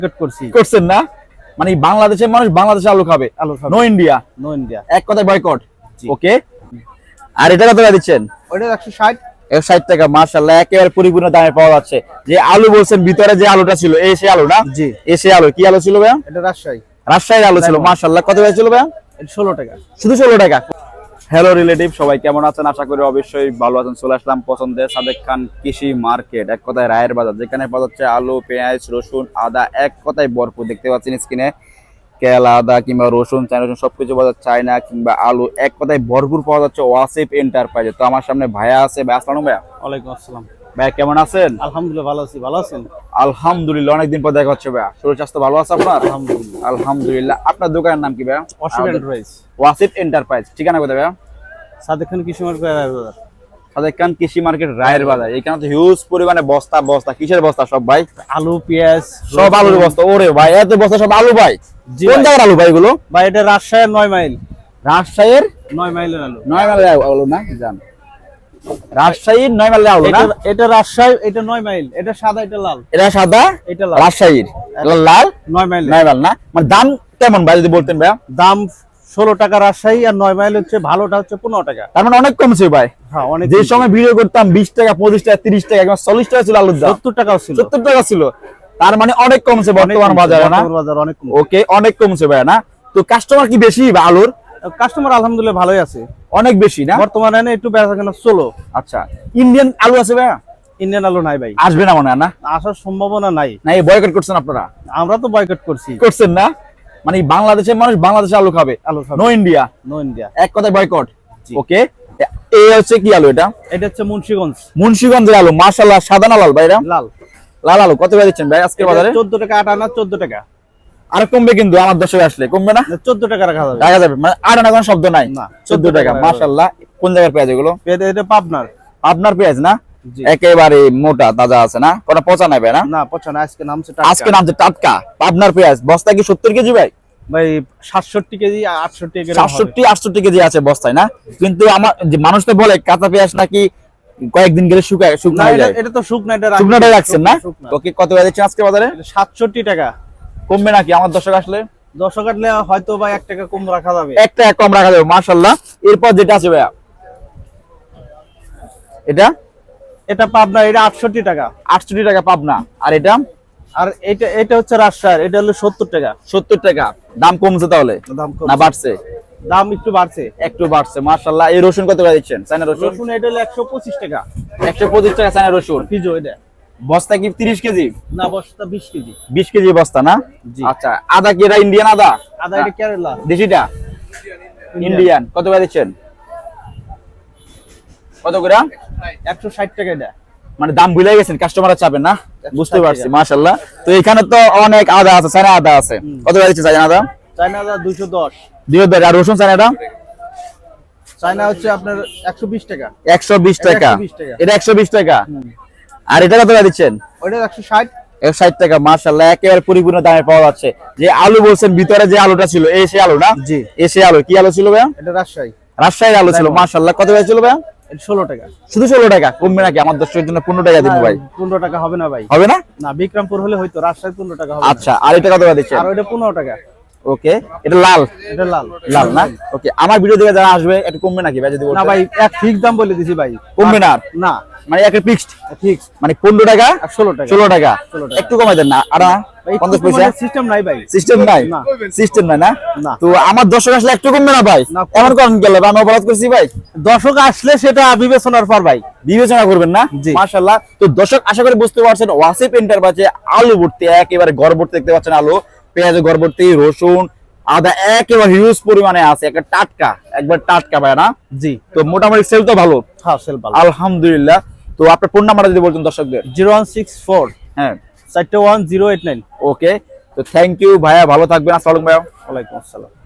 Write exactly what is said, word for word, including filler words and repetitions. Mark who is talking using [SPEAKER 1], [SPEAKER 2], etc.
[SPEAKER 1] করছি
[SPEAKER 2] করছেন না, মানে বাংলাদেশের মানুষ বাংলাদেশে আলু খাবে,
[SPEAKER 1] আলু খাবে।
[SPEAKER 2] No India,
[SPEAKER 1] no India.
[SPEAKER 2] এক কথায় বয়কট।
[SPEAKER 1] জি।
[SPEAKER 2] ওকে, আর এটা কত টাকা দিচ্ছেন?
[SPEAKER 1] ওটা একশো ষাট।
[SPEAKER 2] একশো ষাট টাকা, মাশাআল্লাহ, একেবারে পরিপূর্ণ দামে পাওয়া যাচ্ছে। যে আলু বলছেন ভিতরে যে আলুটা ছিল, এই সে আলু না?
[SPEAKER 1] জি।
[SPEAKER 2] এই সে আলু, কি আলু ছিল ভাইয়া?
[SPEAKER 1] এটা রাজশাহী
[SPEAKER 2] রাজশাহীর আলু ছিল, মাশাআল্লাহ। কত টাকা ছিল ভাইয়া?
[SPEAKER 1] এটা ষোলো টাকা।
[SPEAKER 2] শুধু ষোলো টাকা। হ্যালো রিলেটিভ, সবাই কেমন আছেন? আশা করি অবশ্যই ভালো আছেন। চলে আসলাম পছন্দের সাদেক খান কৃষি মার্কেট, এক কথায় রায়ের বাজার, যেখানে পাওয়া যাচ্ছে আলু, পেঁয়াজ, রসুন, আদা, এক কথায় ভরপুর। দেখতে পাচ্ছেন স্ক্রিনে, কেলা, আদা কিংবা রসুন, চায়না রসুন সবকিছু পাওয়া যাচ্ছে, চায়না কিংবা আলু, এক কথায় ভরপুর পাওয়া যাচ্ছে ওয়াসিফ এন্টারপ্রাইজে। তো আমার সামনে ভাইয়া আছে। ভাই আসসালামু ভাইয়া।
[SPEAKER 1] ওয়ালাইকুম আসসালাম।
[SPEAKER 2] ভাইয়া কেমন আছেন?
[SPEAKER 1] আলহামদুলিল্লাহ ভালো আছি। ভালো আছেন?
[SPEAKER 2] আলহামদুলিল্লাহ, অনেকদিন পর দেখা হচ্ছে ভাইয়া। শরীর স্বাস্থ্য ভালো আছে আপনার?
[SPEAKER 1] আলহামদুলিল্লাহ।
[SPEAKER 2] আলহামদুলিল্লাহ। আপনার দোকানের নাম কি ভাইয়া?
[SPEAKER 1] ওয়াসিফ এন্টারপ্রাইজ।
[SPEAKER 2] ওয়াসিফ এন্টারপ্রাইজ, ঠিকানা কোথায় ভাইয়া?
[SPEAKER 1] সাদেক খান কৃষি মার্কেট রায়ের বাজার।
[SPEAKER 2] সাদেক খান কৃষি মার্কেট রায়ের বাজার। এখানে তো হিউজ পরিমাণে বস্তা বস্তা, কিসের বস্তা সব ভাই?
[SPEAKER 1] আলু, পেঁয়াজ,
[SPEAKER 2] সব আলুর বস্তা। ওরে ভাই, এত বস্তা সব আলু ভাই?
[SPEAKER 1] জি
[SPEAKER 2] কোন
[SPEAKER 1] ভাই।
[SPEAKER 2] জায়গার আলু ভাই এগুলো?
[SPEAKER 1] ভাই এটা রাজশাহীর নয় মাইল।
[SPEAKER 2] রাজশাহীর
[SPEAKER 1] নয় মাইলের আলু।
[SPEAKER 2] নয় মাইলের আলু না? জান, রাজশাহীর নয় মাইলের আলু না?
[SPEAKER 1] এটা এটা রাজশাহী, এটা নয় মাইল। এটা সাদা, এটা লাল।
[SPEAKER 2] এটা সাদা,
[SPEAKER 1] এটা লাল।
[SPEAKER 2] রাজশাহীর এটা লাল,
[SPEAKER 1] নয় মাইল।
[SPEAKER 2] নয় মাইল না? মানে দাম কেমন ভাই যদি বলতেন ভাইয়া?
[SPEAKER 1] দাম ষোলো টাকা রাজশাহী, আর নয় মাইল হচ্ছে ভালোটা হচ্ছে পনেরো টাকা।
[SPEAKER 2] তার মানে অনেক কমছে ভাই।
[SPEAKER 1] হ্যাঁ অনেক।
[SPEAKER 2] যে সময় ভিডিও করতাম বিশ টাকা, পঁচিশ টাকা, তিরিশ টাকা, একদম চল্লিশ টাকা ছিল আলুর দাম,
[SPEAKER 1] সত্তর টাকাও ছিল।
[SPEAKER 2] সত্তর টাকা ছিল। তার মানে অনেক কমছে বর্তমান বাজারে না?
[SPEAKER 1] বর্তমান বাজার অনেক কম।
[SPEAKER 2] ওকে, অনেক কমছে ভাই না? তো কাস্টমার কি বেশি বা আলুর?
[SPEAKER 1] কাস্টমার আলহামদুলিল্লাহ ভালোই আছে,
[SPEAKER 2] অনেক বেশি না?
[SPEAKER 1] বর্তমানে একটু বেচাকেনা চলো।
[SPEAKER 2] আচ্ছা, ইন্ডিয়ান আলু আছে ভাইয়া?
[SPEAKER 1] ইন্ডিয়ান আলু নাই ভাই,
[SPEAKER 2] আসবে না মনে হয় না?
[SPEAKER 1] আসার সম্ভাবনা নাই।
[SPEAKER 2] না, এই বয়কট করছেন আপনারা?
[SPEAKER 1] আমরা তো বয়কট করছি।
[SPEAKER 2] করছেন না, মানে বাংলাদেশের মানুষ বাংলাদেশে আলু খাবে,
[SPEAKER 1] আলু খাবে।
[SPEAKER 2] No India,
[SPEAKER 1] no India.
[SPEAKER 2] এক কথায় বয়কট।
[SPEAKER 1] জি।
[SPEAKER 2] ওকে, এই হচ্ছে কি আলু এটা?
[SPEAKER 1] এটা হচ্ছে মুন্সিগঞ্জ
[SPEAKER 2] মুন্সিগঞ্জের আলু, মাশাআল্লাহ। সাদা না লাল ভাই এটা?
[SPEAKER 1] লাল।
[SPEAKER 2] লাল আলু। কত করে দিচ্ছেন ভাই আজকের বাজারে?
[SPEAKER 1] চোদ্দ টাকা আট আনা, চোদ্দ টাকা।
[SPEAKER 2] আর কমবে কিন্তু আমার দর্শক আসলে, কমবে না?
[SPEAKER 1] চোদ্দ টাকা রাখা যাবে।
[SPEAKER 2] টাকা যাবে মানে আট আনা কোনো শব্দ নাই?
[SPEAKER 1] না,
[SPEAKER 2] চোদ্দ টাকা, মাশাআল্লাহ। কোন জায়গার পেঁয়াজ এগুলো?
[SPEAKER 1] এটা এটা পাবনার।
[SPEAKER 2] আপনার পেঁয়াজ না?
[SPEAKER 1] জি।
[SPEAKER 2] একেবারে মোটা তাজা আছে না? কোটা পচা নাই ভাই না?
[SPEAKER 1] না পচা না, আজকে নামছে
[SPEAKER 2] আজকে
[SPEAKER 1] টাটকা।
[SPEAKER 2] নামছে টাটকা আপনার পেঁয়াজ। বস্তা কি সত্তর কেজি ভাই?
[SPEAKER 1] ভাই সাতষট্টি কেজি, আটষট্টি কেজি।
[SPEAKER 2] সাতষট্টি আটষট্টি কেজি আছে বস্তায় না? কিন্তু আমার যে মানুষ তো বলে কাঁচা পেঁয়াজ নাকি কয়েকদিন গেলে শুকায়, শুকনো হয়ে যায়।
[SPEAKER 1] এটা তো শুকনা, এটা
[SPEAKER 2] শুকনোটাই রাখছেন না? ওকে, কত করে দিচ্ছেন আজকে বাজারে?
[SPEAKER 1] সাতষট্টি টাকা।
[SPEAKER 2] কমবে নাকি আমার দর্শক আসলে?
[SPEAKER 1] দশ কাটলে হয়তো বা এক টাকা কম রাখা যাবে।
[SPEAKER 2] এক টাকা কম রাখা যাবে, মাশাআল্লাহ। এরপর যেটা আছে ভাইয়া, এটা
[SPEAKER 1] এটা পাবনা, এটা আটষট্টি টাকা।
[SPEAKER 2] আটষট্টি টাকা পাবনা। আর এটা?
[SPEAKER 1] আর এটা এটা হচ্ছে রাজশাহীর, এটা হলো সত্তর টাকা।
[SPEAKER 2] সত্তর টাকা। দাম কমছে তাহলে
[SPEAKER 1] দাম কম
[SPEAKER 2] না বাড়ছে?
[SPEAKER 1] দাম একটু বাড়ছে।
[SPEAKER 2] একটু বাড়ছে, মাশাআল্লাহ। এই রসুন কত করে দিচ্ছেন? চায়না রসুন
[SPEAKER 1] রসুন এটা হলো একশো পঁচিশ টাকা।
[SPEAKER 2] একশো পঁচিশ টাকা চায়না রসুন।
[SPEAKER 1] পিজো এটা
[SPEAKER 2] বস্তা কি তিরিশ কেজি?
[SPEAKER 1] না, বস্তা বিশ কেজি।
[SPEAKER 2] বিশ কেজি বস্তা না?
[SPEAKER 1] জি।
[SPEAKER 2] আচ্ছা, আদা কি এটা ইন্ডিয়ান আদা?
[SPEAKER 1] আদা এটা কেরালা।
[SPEAKER 2] দেশিটা ইন্ডিয়ান। কত করে দিচ্ছেন? কত করে?
[SPEAKER 1] একশো ষাট টাকা এটা।
[SPEAKER 2] মানে দাম ভুলে গেছেন, কাস্টমার চাপেন না? বুঝতে
[SPEAKER 1] ষাট
[SPEAKER 2] পারছি,
[SPEAKER 1] টাকা।
[SPEAKER 2] মাশাআল্লাহ। তো এখানে তো অনেক আদা আছে, চায়না আদা আছে। কত করে দিচ্ছেন চায়না আদা?
[SPEAKER 1] চায়না আদা দুইশো দশ।
[SPEAKER 2] দুই হাজার। আর রসুন চায়নাটা?
[SPEAKER 1] চায়না হচ্ছে আপনার একশো বিশ টাকা।
[SPEAKER 2] একশো বিশ টাকা।
[SPEAKER 1] একশো বিশ টাকা।
[SPEAKER 2] এটা একশো বিশ টাকা। আর এটা কত করে দিচ্ছেন?
[SPEAKER 1] ওইটা একশো ষাট।
[SPEAKER 2] একশো ষাট টাকা, মাশাআল্লাহ। একেবারে পরিপূর্ণ দামে পাওয়া যাচ্ছে। যে আলু বলছেন ভিতরে যে আলুটা ছিল, এই সে আলু না?
[SPEAKER 1] জি।
[SPEAKER 2] এই সে আলু, কি আলু ছিল ভাইয়া?
[SPEAKER 1] এটা রাজশাহী।
[SPEAKER 2] রাজশাহীর আলু ছিল, মাশাআল্লাহ। কত করে ছিল ভাইয়া?
[SPEAKER 1] এটা ষোলো টাকা।
[SPEAKER 2] শুধু ষোলো টাকা। কমবে নাকি? আমার দর্শকের জন্য পনেরো টাকা দিব ভাই।
[SPEAKER 1] পনেরো টাকা হবে না ভাই।
[SPEAKER 2] হবে না?
[SPEAKER 1] না, বিক্রমপুর হলে হয়তো, রাজশাহী পনেরো টাকা হবে না।
[SPEAKER 2] আচ্ছা, আর এটা কত করে দিচ্ছেন?
[SPEAKER 1] আর ওইটা পনেরো টাকা।
[SPEAKER 2] ওকে, এটা লাল।
[SPEAKER 1] এটা লাল।
[SPEAKER 2] লাল না? ওকে, আমার ভিডিও দেখে যারা আসবে একটু কমবে নাকি ভাই যদি বলতেন?
[SPEAKER 1] না ভাই, এক ফিক্স দাম বলে দিছি ভাই।
[SPEAKER 2] কমবে না?
[SPEAKER 1] না,
[SPEAKER 2] মানে একটা ফিক্সড
[SPEAKER 1] ফিক্স
[SPEAKER 2] মানে পনেরো টাকা
[SPEAKER 1] আর ষোলো টাকা।
[SPEAKER 2] ষোলো টাকা।
[SPEAKER 1] ষোলো টাকা।
[SPEAKER 2] একটু কমাই দেন না? আর না? পঞ্চাশ পয়সা
[SPEAKER 1] সিস্টেম নাই ভাই।
[SPEAKER 2] সিস্টেম নাই?
[SPEAKER 1] না।
[SPEAKER 2] সিস্টেম নাই না?
[SPEAKER 1] না।
[SPEAKER 2] তো আমার দর্শক আসলে একটু কমবে না ভাই?
[SPEAKER 1] না।
[SPEAKER 2] এমন করেন গেলে আমি অপরাধ করছি ভাই?
[SPEAKER 1] দর্শক আসলে সেটা বিবেচনার পর ভাই
[SPEAKER 2] বিবেচনা করবেন না?
[SPEAKER 1] জি।
[SPEAKER 2] মাশাআল্লাহ। তো দর্শক আশা করি বুঝতে পারছেন, ওয়াসিফ এন্টারপ্রাইজে আলু ভর্তি, একেবারে ঘর ভর্তি দেখতে পাচ্ছেন আলু, পেঁয়াজ ঘর ভর্তি, রসুন, আদা একেবারে হিউজ পরিমাণে আছে, একটা টাটকা, একবার টাটকা ভাই না?
[SPEAKER 1] জি।
[SPEAKER 2] তো মোটামুটি সেল তো ভালো?
[SPEAKER 1] হ্যাঁ, সেল ভালো।
[SPEAKER 2] আলহামদুলিল্লাহ। তো আপনার ফোন নাম্বারটা যদি বলতেন দর্শকদের।
[SPEAKER 1] জিরো ওয়ান সিক্স ফোর
[SPEAKER 2] হ্যাঁ,
[SPEAKER 1] চারটে one zero eight nine.
[SPEAKER 2] Okay. তো থ্যাংক ইউ ভাইয়া, ভালো থাকবেন। আসসালামু আলাইকুম ভাইয়া।
[SPEAKER 1] ওয়ালাইকুম আসসালাম।